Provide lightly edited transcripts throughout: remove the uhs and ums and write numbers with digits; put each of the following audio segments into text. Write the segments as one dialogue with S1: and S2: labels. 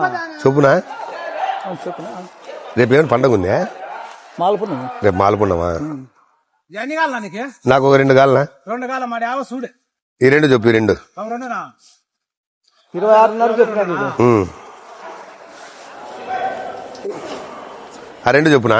S1: చెప్పునా రేపు ఏమైనా పండగ ఉందా?
S2: మాలపున్నమి.
S1: రేపు మాలపున్నమా?
S2: ఎన్ని కావాలా నీకు?
S1: నాకు ఒక 2 కాలనా?
S2: 2 కాలం మరి చూడు.
S1: ఈ 2 చెప్పు. ఈ 2
S2: 26.5 చెప్పినా.
S1: ఆ 2 చెప్పునా?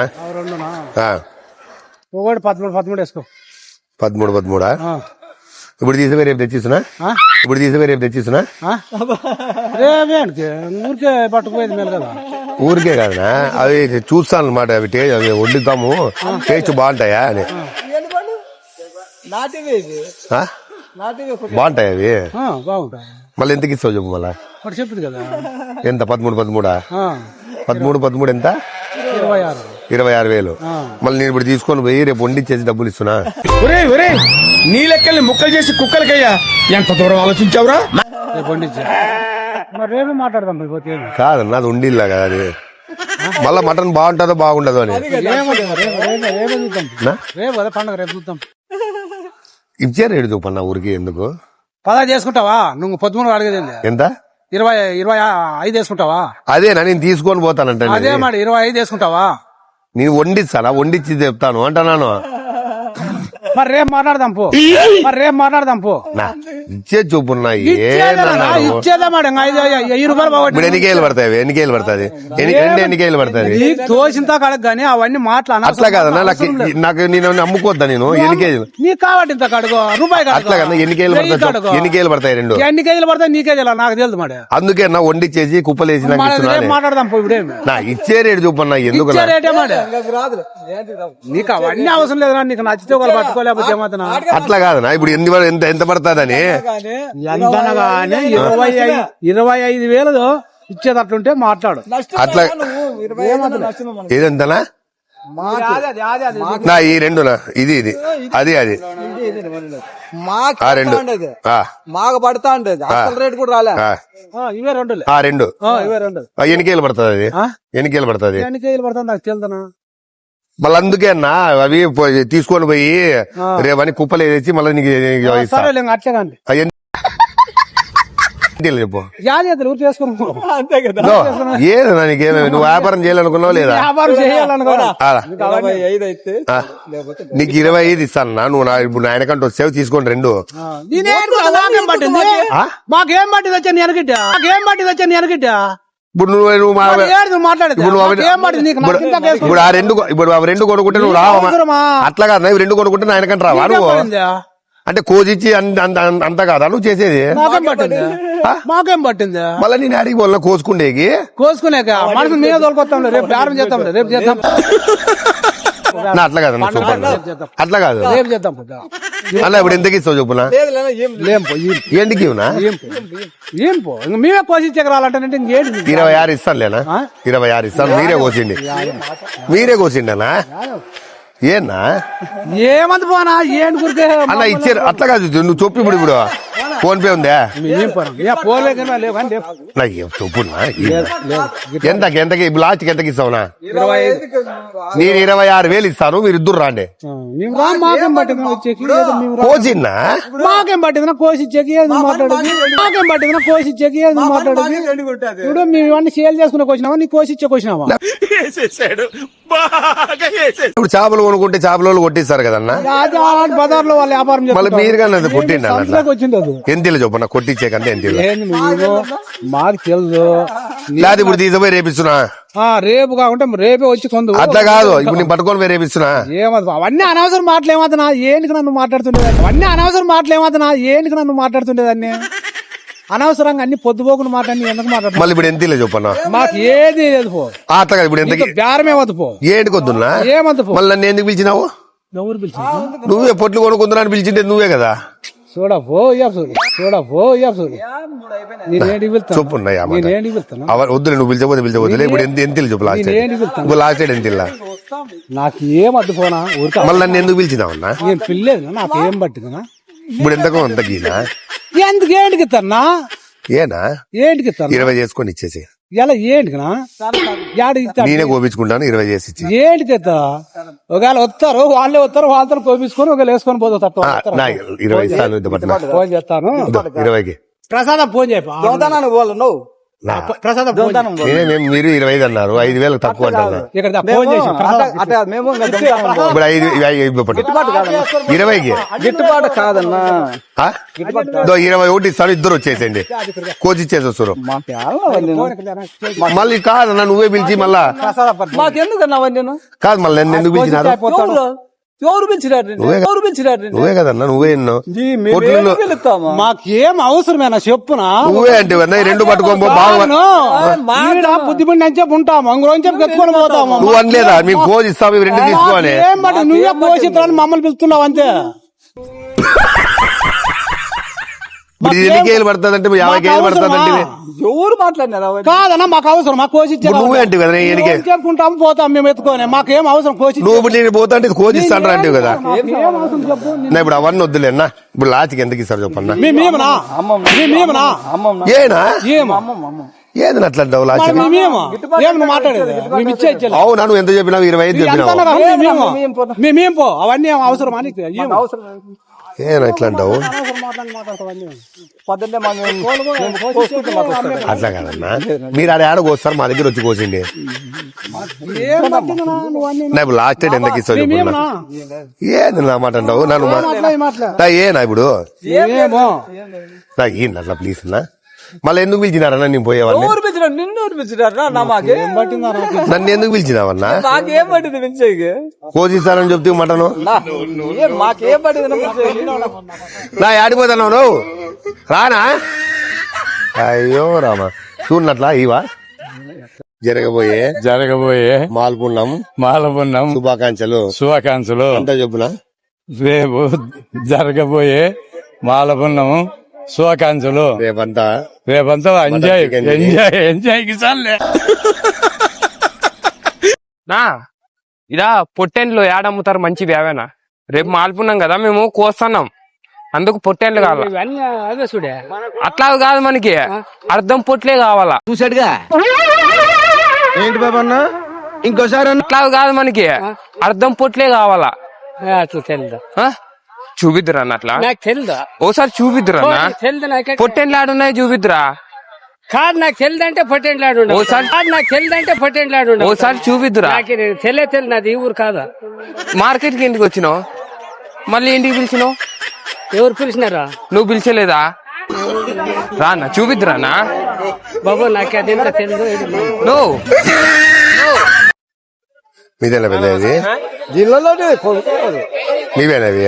S2: ఒకటి 13 వేసుకో.
S1: 13 ఇప్పుడు తీసుకుపోయి రేపు తెచ్చిస్తున్నా. ఇప్పుడు తీసుకుపోయి రేపు తెచ్చిస్తున్నా.
S2: రేపేంటి ఊరికే పట్టుకుపోయేది మేలు కదా.
S1: ఊరికే కాదనా, అవి చూస్తాను అనమాట. అవి వండుతాము, టేస్ట్ బాగుంటాయా అని. బాగుంటాయి అవి.
S2: బాగుంటాయి.
S1: మళ్ళీ ఎంతకి ఇస్తావు చెప్పు. మళ్ళా
S2: చెప్పింది కదా
S1: ఎంత? 13 ఎంత? 26,000. మళ్ళీ నేను ఇప్పుడు తీసుకొని పోయి రేపు వండిచ్చేసి డబ్బులు ఇస్తున్నా.
S3: నీ లెక్కల్ని ముక్కలు చేసి కుక్కలకయ్యా ఎంత దూరం ఆలోచించావురా?
S2: రేపు వండిచ్చా మరి రేపు మాట్లాడదాం.
S1: కాదన్నా, అది ఉండిల్లా కదా అది. మళ్ళా మటన్ బాగుంటుందో బాగుండదో అని
S2: రేపు కదా పండుగ, రేపు చూద్దాం.
S1: ఇచ్చారు ఏడు చూపన్నా ఊరికి. ఎందుకు
S2: 10 చేసుకుంటావా నువ్వు? 13 అడిగేది
S1: ఎంత?
S2: 25 వేసుకుంటావా?
S1: అదేనా నేను తీసుకొని పోతానంటే.
S2: అదే మరి 25 వేసుకుంటావా?
S1: నేను వండిస్తానా? వండిచ్చి చెప్తాను అంటున్నాను.
S2: మరి రేపు మాట్లాడదాం పో.
S1: ఇచ్చే చూపున్నా.
S2: ఇచ్చేదా మేడం? 5 రూపాయలు
S1: ఇప్పుడు ఎన్నికేళ్ళు పడతాయి? ఎన్నికేళ్ళు పడుతుంది? ఎన్నికేళ్ళు పడుతుంది?
S2: తోచింతా కడగ గానీ అవన్నీ మాట్లాడ.
S1: అట్లా కాదన్నా, నాకు నేను అమ్ముకోద్దా నేను? ఎన్ని కేజీలు
S2: నీకు కాబట్టి ఇంత కడుగు రూపాయి.
S1: అట్లా కదా. ఎన్ని కేజీలు పడతాయి? 2
S2: ఎన్ని కేజీలు పడతాయి నీకే తెలియదు, నాకు తెలుసు మరి.
S1: అందుకే నా వండిచ్చేసి కుప్పలేసి
S2: మాట్లాడదాం పో. ఇప్పుడే
S1: నా ఇచ్చే రేటు చూపన్నా. ఎందుకు
S2: నీకు అవన్నీ అవసరం లేదురా. నీకు నచ్చితే వాళ్ళు పట్టుకోలేకపోతే ఏమవుతున్నా?
S1: అట్లా కాదనా. ఇప్పుడు ఎంత పడుతుందని?
S2: ఎంతనగా 25,000 ఇచ్చేటట్లుంటే మాట్లాడు.
S1: అట్లా ఏదంతనా? నా ఈ 2 ఇది అది అది
S4: మాకు పడతా ఉండేది. అసలు రేటు కూడా రాలే.
S2: ఇవే 2
S1: ఎన్నికేళ్ళు పడుతుంది? అది ఎన్నికేళ్ళు పడుతుంది?
S2: నాకు తెలుదనా.
S1: మళ్ళీ అందుకే అన్నా అవి తీసుకొని పోయి రేపని కుప్పలు వేసి మళ్ళీ నీకు
S2: అట్లే
S1: చెప్పు.
S2: ఏదన్నా
S1: నీకేమే నువ్వు వ్యాపారం చేయాలనుకున్నావు లేదా? నీకు 25 ఇస్తాను. నువ్వు ఇప్పుడు ఆయనకంటే వచ్చావు తీసుకోండి 2.
S2: మాకేం పట్టింది వచ్చా నేను ఎనగిట్టా.
S1: ఇప్పుడు నువ్వు ఇప్పుడు ఆ 2 కొనుక్కుంటే నువ్వు రావా? అట్లా కాదు, ఇవి 2 కొనుక్కుంటే ఆయనకంటే రావా నువ్వు? అంటే కోజిచ్చి అంత కాదా నువ్వు చేసేది?
S2: మాకేం పట్టింది?
S1: మళ్ళీ నేను అడిగి వాళ్ళ కోసుకునేకి
S2: మనసు మీద తోలుకొస్తాం. రేపు ప్రారంభం చేద్దాం. రేపు చేద్దాం.
S1: అట్లా కాదు, అట్లా కాదు.
S2: రేపు చేద్దాం
S1: అలా. ఇప్పుడు ఎంతకి ఇస్తావు చెప్పునా? ఏంటికి
S2: ఏం పో మేమే కోసి రాలంటే
S1: 26 ఇస్తాను లేనా? 26 ఇస్తాను. మీరే కోసిండనా? ఏనా
S2: ఏమంత పోనా? ఏం గురికే
S1: అలా ఇచ్చారు. అట్లా కాదు, నువ్వు చెప్పు. ఇప్పుడు ఫోన్ పే ఉందా? చెప్పున్నా. ఎంతకి ఇప్పుడు లాస్ట్కి ఎంతకి ఇస్తావునా? నేను 26,000 ఇస్తాను. మీరు ఇద్దరు రాండి.
S2: మాకేం పట్టింది
S1: కోసిన్నా?
S2: మాకేం పట్టిందినా కోసిచ్చేకి? మాకేం పట్టిందినా కోసిచ్చేకి? ఇప్పుడు మేము ఇవన్నీ సేల్ చేసుకునే కోసినావా? నీ కోసిచ్చే కోసినావా?
S1: ఇప్పుడు చేపలు కొనుక్కుంటే చేపల వాళ్ళు కొట్టిస్తారు కదన్నా.
S2: బజార్లో వాళ్ళు వ్యాపారం
S1: మళ్ళీ మీరు కానీ కొట్టిండి
S2: వచ్చింది.
S1: ఎంత చెప్పన్నా? కొట్టించేకంటే ఎంత?
S2: మాకు తెలుసు.
S1: లేదు ఇప్పుడు తీసుకుపోయి రేపిస్తున్నా.
S2: రేపు కాకుంటే రేపే వచ్చి కొందు.
S1: అట్లా కాదు, ఇప్పుడు నేను పట్టుకొని పోయి రేపిస్తున్నా.
S2: అవన్నీ అనవసరం మాటలు ఏమవుతున్నా? ఏంటికి నన్ను మాట్లాడుతుండేదాన్ని? అనవసరంగా అన్ని పొద్దుపోకుండా మాట్లాడి ఎందుకు మాట్లాడు?
S1: మళ్ళీ ఇప్పుడు ఎంత చెప్పన్నా?
S2: మాకు ఏది లేదు పో.
S1: అట్లా కాదు, ఇప్పుడు ఎంత
S2: బేరమేమద్దు పో.
S1: ఏంటి కొద్దున్నా?
S2: ఏమద్దు పో.
S1: మళ్ళీ నన్ను ఎందుకు పిలిచినావు?
S2: ఎవరు పిలిచి?
S1: నువ్వే పొట్లు కొనుక్కుందా అని పిలిచింటే నువ్వే కదా. వద్దులే, నువ్వు పిలిచబోతే ఇప్పుడు ఎంత చెప్పు. లాస్ట్ ఎంత?
S2: నాకు ఏం అద్దు పోనా?
S1: మళ్ళీ నన్ను ఎందుకు పిలిచినావన్నా?
S2: నేను పిల్లేదు. నాకు ఏం పట్టిందనా?
S1: ఇప్పుడు ఎంతకో అంతకీనా?
S2: ఎందుకు ఏంటికి ఇస్తానా?
S1: ఏనా
S2: ఏంటికి ఇస్తాను?
S1: 20 చేసుకొని ఇచ్చేసి.
S2: ఎలా ఏంటికినా?
S1: నేనే కోపించుకుంటాను. 20 చేసి ఇచ్చి.
S2: ఏంటికి ఇస్తా? ఒకవేళ వస్తారు, వాళ్ళతో కోపించుకొని ఒకవేళ వేసుకొని పోతా.
S1: 20 ఇస్తాను.
S2: ఫోన్ చేస్తాను.
S1: 20కి
S2: ప్రసాదం ఫోన్ చేయను. ప్రసాదం
S1: మీరు 25 అన్నారు, 5,000 తక్కువ అంటున్నారు.
S2: ఇక్కడ ఫోన్ చేసి
S4: అట్లా మేము ఇంకా దొంగతనం పోం.
S1: ఇప్పుడు 20కి
S4: గిట్టుబాటు కాదన్నా.
S1: 21 ఇస్తాను, ఇద్దరు వచ్చేసేయండి, కోచ్ ఇచ్చేసి వస్తారు.
S4: మాకు ఏమన్నా వదిలేను.
S1: మళ్ళీ కాదన్నా నువ్వే పిలిచి మళ్ళా
S4: మాకెందుకన్నా వదిలేను?
S1: కాదు మళ్ళీ నన్ను ఎందుకు పిలిచినారు?
S4: ఎవరు పిలిచినారు? ఎవరు పిలిచినారు?
S1: నువ్వే కదన్నా, నువ్వే ఎన్నో పొట్టులో
S4: పిలుస్తామా?
S2: మాకేం అవసరమేనా చెప్పునా?
S1: నువ్వే అంటే ఈ రెండు పట్టుకోబో బాగా
S2: బుద్ధిపడి నంచేపు ఉంటాము, అంగుళం చెప్పి ఎత్తుకొని పోతాము.
S1: నువ్వు అనలేదా మేము కోచ్ ఇస్తాము ఇవి రెండు తీసుకోవాలి?
S2: ఏం మాట నువ్వే పోషిత్రాన్ని మమ్మల్ని పిలుస్తున్నావు అంతే.
S1: ఇప్పుడు ఇది ఎన్ని కేలు పడుతుంది అంటే 50 కేలు పడుతుంది అంటే
S4: ఎవరు మాట్లాడినారా?
S2: కాదన్నా మాకు అవసరం, మాకు కోసి
S1: నువ్వే అంటే కదా ఎనికే
S2: చెప్పుకుంటాము పోతాం మేము ఎత్తుకొని. మాకేం అవసరం కోసి?
S1: నువ్వు ఇప్పుడు నేను పోతా అంటే కోచ్ ఇస్తాను అంటే కదా.
S2: ఏం అవసరం చెప్పు.
S1: నా ఇప్పుడు అవన్నీ వద్దులేనా, ఇప్పుడు లాస్ట్కి ఎందుకు ఇస్తారు చెప్పన్నా?
S2: మేమేమనా
S1: ఏనా
S2: ఏమో
S1: ఏదన్నా అట్లా అంటావు లాస్ట్కి?
S2: ఏం నువ్వు మాట్లాడేది? మేము ఇచ్చే ఇచ్చేది
S1: అవునా, నువ్వు ఎంత చెప్పినావు? 25 చెప్పినావు.
S2: మేమేం పో అవన్నీ అవసరం అని
S1: ఏనా ఇట్లా అంటావు?
S4: పొద్దున్నే
S1: అట్లా కాదన్నా, మీరు ఆడ కోస్తారు, మా దగ్గర వచ్చి కోసిండి. నా ఇప్పుడు లాస్ట్ టైం ఎందుకు ఇస్తావు చెప్పున్నా? ఏది నా మాట అంటావు? నన్ను ఏనా ఇప్పుడు నాకు ఏంటి అట్లా ప్లీజ్ అన్నా? మళ్ళీ ఎందుకు పిలిచినారన్నా నేను పోయేవాడిని?
S4: నిన్ను పిలిచినారా?
S1: నన్ను ఎందుకు పిలిచినావన్నా?
S4: మాకేం పట్టింది పిలిచేకి?
S1: కోచ్ ఇస్తానని చెప్తే మటను
S4: మాకేం పట్టింది?
S1: నా ఆడిపోతాను నువ్వు రానా? అయ్యో రామా, చూడనట్లా ఇవా జరగబోయే మాల్పున్నం శుభాకాంక్షలు అంతా చెప్పునా?
S5: రేపు జరగబోయే మాలపున్నము శుభాకాంక్షలు.
S1: రేపంతా
S5: ఎంజాయ్ కిసాన్లే.
S6: నా ఇదా పొట్టెండ్లు ఏడమ్ముతారు మంచివి అవేనా? రేపు మాల్పున్నాం కదా మేము కోస్తున్నాం, అందుకు పొట్టెండ్లు కావాలి. అట్లా కాదు, మనకి అర్థం పొట్లే కావాలా.
S3: చూసాడుగా ఏంటి బాబా అన్న, ఇంకోసారి
S6: అట్లా కాదు, మనకి అర్థం పొట్లే కావాలా. చూపిద్దురా అన్న, అట్లా ఓసారి చూపిద్దురా అన్న. పొట్టెండ్లు ఆడున్నాయి చూపిద్దురా.
S7: కాదు నాకు తెలిదంటే పొట్టేంట్లాడు
S6: ఓసారి చూపిద్దురా.
S7: తెలియదు నాది ఈ ఊరు కాదా.
S6: మార్కెట్ కి ఎందుకు వచ్చినావు? మళ్ళీ ఇంటికి పిలిచినావు?
S7: ఎవరు పిలిచినారా?
S6: నువ్వు పిలిచలేదా? రానా చూపిద్దురా అన్న.
S7: బాబు నాకు అదేంటో తెలియదు.
S6: నువ్వు
S1: మీదేనా పెద్దది?
S4: జిల్లాలోనే
S1: నీవేనవి?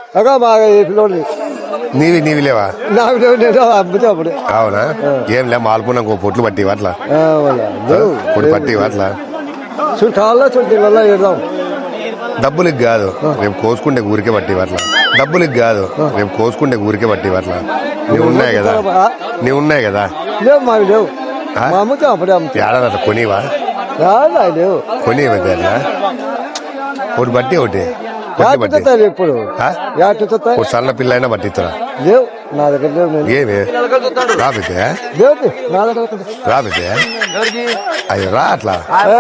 S1: నీవి లేవా?
S4: అప్పుడు
S1: అవునా? ఏం లే మాల్పున్నాం పొట్లు పట్టి అట్లా పొడి పట్టి అట్లా
S4: చుట్టాల్లో చుట్టాలలో ఇద్దాం.
S1: డబ్బులకి కాదు, రేపు కోసుకుంటే ఊరికే పట్టి అట్లా. డబ్బులకి కాదు, రేపు కోసుకుంటే ఊరికే పట్టి అట్లా. నీవు ఉన్నాయి కదా
S4: లేవు మాకు లేవు. అమ్ముతాం అప్పుడే
S1: ఏడాది అట్లా కొనివా?
S4: లేవు
S1: కొనివా అట్లా ఒకటి బట్టి ఒకటి
S4: ఇప్పుడు
S1: ఒక సన్న పిల్ల అయినా పట్టిస్తారా?
S4: లేవు నా దగ్గర లేవు.
S1: ఏమి రాబితే
S4: లేవు నా దగ్గర
S1: రాబితే అయ్యో రా అట్లా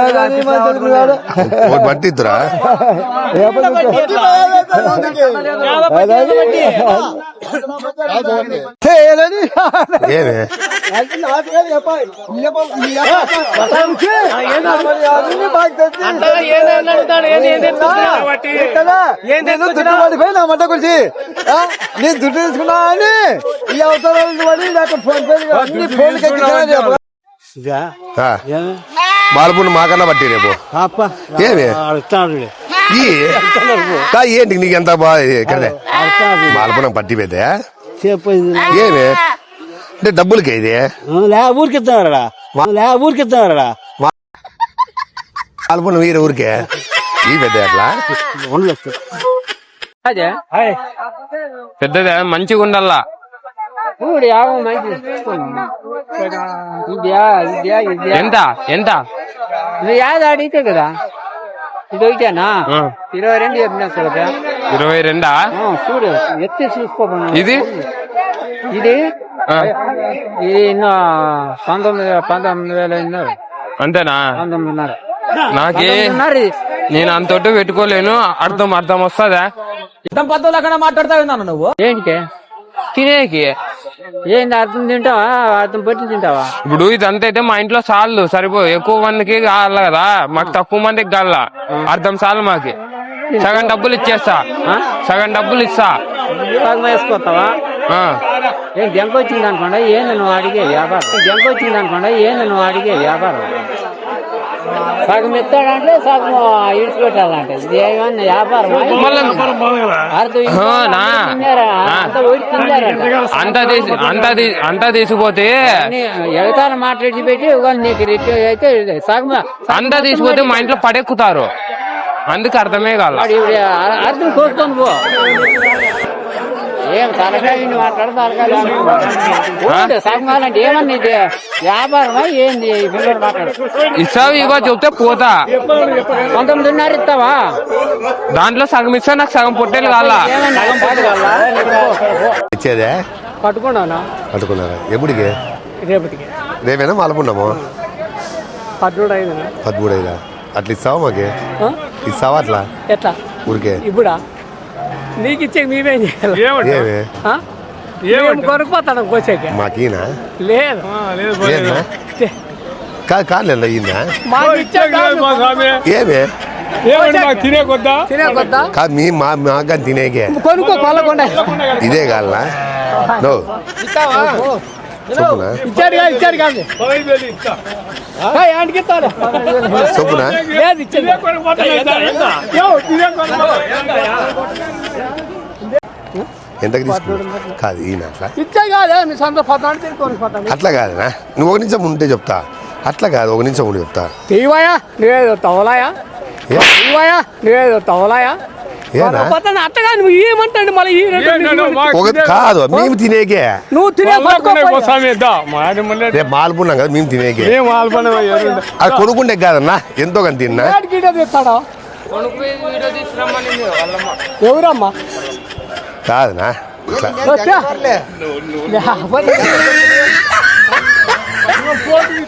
S1: ఒకటి పట్టిద్దురా. ఏమి
S4: నా మంట కొలిసి నేను దుడ్డు తీసుకున్నా అని ఈ అవసరాలు పడి నాకు ఫోన్
S1: మాల్పున్న మాకన్నా పట్టి రేపు ఏమి ఏంటి నీకు ఎంత బాగా మాల్పున్న పట్టి పెద్ద ఏమి అంటే డబ్బులకి ఇది
S2: ఊరికిస్తున్నారా?
S1: మాల్పున్న వీరు ఊరికే ఈ పెద్ద అట్లా
S6: పెద్దదే మంచిగా ఉండాలా. ఎంత ఎంత
S7: యాద అడిగితే కదా ఇది ఒకటేనా? 22 చెప్పినా కదా.
S6: 22
S7: చూడు ఎత్తి చూసుకో.
S6: ఇది
S7: ఇది ఇన్నో 19,000 ఇన్నారు.
S6: అంతేనా?
S7: 19,500.
S6: నాకే నేను అంతటి పెట్టుకోలేను. అర్థం వస్తుందా?
S4: మాట్లాడతా ఉన్నాను నువ్వు
S6: ఏంటి తినేకి
S7: ఏంది అర్థం తింటావా అర్థం పట్టి తింటావా?
S6: ఇప్పుడు ఇదంతా అయితే మా ఇంట్లో సార్లు సరిపో ఎక్కువ మందికి కావాలి కదా, మాకు తక్కువ మందికి కాల. అర్థం సార్లు మాకి. సగం డబ్బులు ఇచ్చేస్తా, సగం డబ్బులు ఇస్తా.
S7: సగం వేసుకొస్తావా?
S6: ఆ.
S7: ఏం దెంక వచ్చింది అనుకోండి, ఏంది నువ్వు అడిగే వ్యాపారం? దెంక వచ్చింది అనుకోండి, ఏంది నువ్వు అడిగే వ్యాపారం? సగం ఇస్తాడంటే సగం ఇడిచిపెట్టాలంటే ఇది ఏమన్నా వ్యాపారం?
S6: అంతా తీసిపోతే
S7: ఎగతాలు మాట్లాడి పెట్టి నీకు అయితే సగం
S6: అంతా తీసిపోతే మా ఇంట్లో పడెక్కుతారు. అందుకు అర్థమే కాదు.
S7: అర్థం కోసుకొని పో. ఏం తలకాయ మాట్లాడు తలకాయ సగం కావాలంటే ఏమన్నా ఇది వ్యాపారమా ఏంది? పిల్లలు మాట్లాడు
S6: ఇస్తావు ఇవ్వ చెప్తే పోతా.
S7: 19.5 ఇస్తావా?
S6: దాంట్లో సగం ఇస్తా, నాకు సగం పొట్టేలు కావాలా?
S1: ఇచ్చేదే
S2: పట్టుకున్నానా?
S1: పట్టుకున్నారా? ఎప్పుడికి?
S2: రేపటికి
S1: రేపేనా మాలపున్నాము?
S2: 13
S1: 13 అట్లా ఇస్తావా? మాకి ఇస్తావా అట్లా?
S2: ఎట్లా
S1: ఊరికే
S2: ఇప్పుడా? నీకు ఇచ్చే మేమేం చేయాలి?
S1: ఏమే
S2: కొనుక్కోతాను కోసేకి.
S1: మాకీనా?
S2: లేదు
S1: లేదా? కాదు కాదు అయ్యిందా?
S2: మాకు ఇచ్చే
S1: ఏమే
S3: తినే కొద్దా
S2: తినేకొద్దా?
S1: కాదు మీ మాకు తినేకే
S2: కొనుక్కో కొనకొండ
S1: ఇదే కావాలా? నో చొప్పునా?
S2: ఇచ్చాడు కాదు ఏంటికి ఇస్తాడు?
S1: చొప్పునా?
S2: లేదు ఇచ్చేది
S1: ఎంతకు తీసుకున్నా? కాదు ఈయన అట్లా
S2: ఇచ్చే కాదు మీ సొంత 14 తీసుకొని
S1: అట్లా కాదునా? నువ్వు ఒక నిమిషం ఉంటే చెప్తా. అట్లా కాదు, ఒక నిమిషం ఉండి చెప్తా.
S2: తీవాయా నువ్వేదో తవలాయా? తీవాయా నువ్వేదో తవలాయా?
S1: ఏనా
S2: అట్టగా నువ్వు ఏమంటాడు మళ్ళీ
S1: ఒక కాదు మేము తినేకే.
S2: నువ్వు తినే
S1: రేపు మాల్పున్నాం కదా మేము తినేకే. అది కొనుక్కుంటే కాదన్నా, ఎంతో కానీ తిన్నా.
S2: ఇస్తాడా? ఎవరమ్మా?
S1: కాదనా ఇట్లా
S2: వచ్చా